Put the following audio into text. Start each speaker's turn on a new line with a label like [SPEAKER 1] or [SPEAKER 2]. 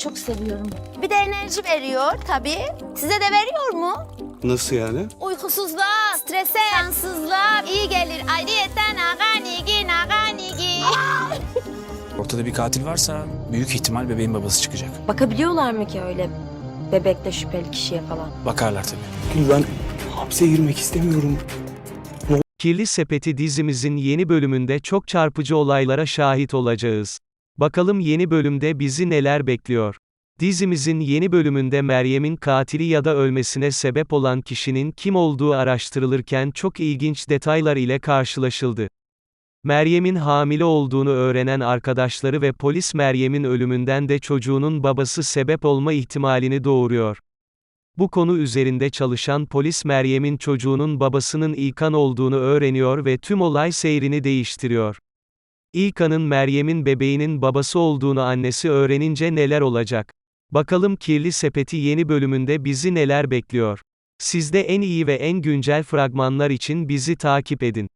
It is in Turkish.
[SPEAKER 1] çok seviyorum. Bir de enerji veriyor tabii. Size de veriyor mu?
[SPEAKER 2] Nasıl yani?
[SPEAKER 1] Uykusuzluğa, strese, kansızlığa iyi gelir. Ayrıyeten aganigi naganigi.
[SPEAKER 3] Ortada bir katil varsa büyük ihtimal bebeğin babası çıkacak.
[SPEAKER 4] Bakabiliyorlar mı ki öyle bebekle şüpheli kişiye falan?
[SPEAKER 3] Bakarlar tabii.
[SPEAKER 2] Gül, ben hapse girmek istemiyorum.
[SPEAKER 5] Kirli Sepeti dizimizin yeni bölümünde çok çarpıcı olaylara şahit olacağız. Bakalım yeni bölümde bizi neler bekliyor? Dizimizin yeni bölümünde Meryem'in katili ya da ölmesine sebep olan kişinin kim olduğu araştırılırken çok ilginç detaylar ile karşılaşıldı. Meryem'in hamile olduğunu öğrenen arkadaşları ve polis Meryem'in ölümünden de çocuğunun babası sebep olma ihtimalini doğuruyor. Bu konu üzerinde çalışan polis Meryem'in çocuğunun babasının İlkan olduğunu öğreniyor ve tüm olay seyrini değiştiriyor. İlkan'ın Meryem'in bebeğinin babası olduğunu annesi öğrenince neler olacak? Bakalım Kirli Sepeti yeni bölümünde bizi neler bekliyor? Sizde en iyi ve en güncel fragmanlar için bizi takip edin.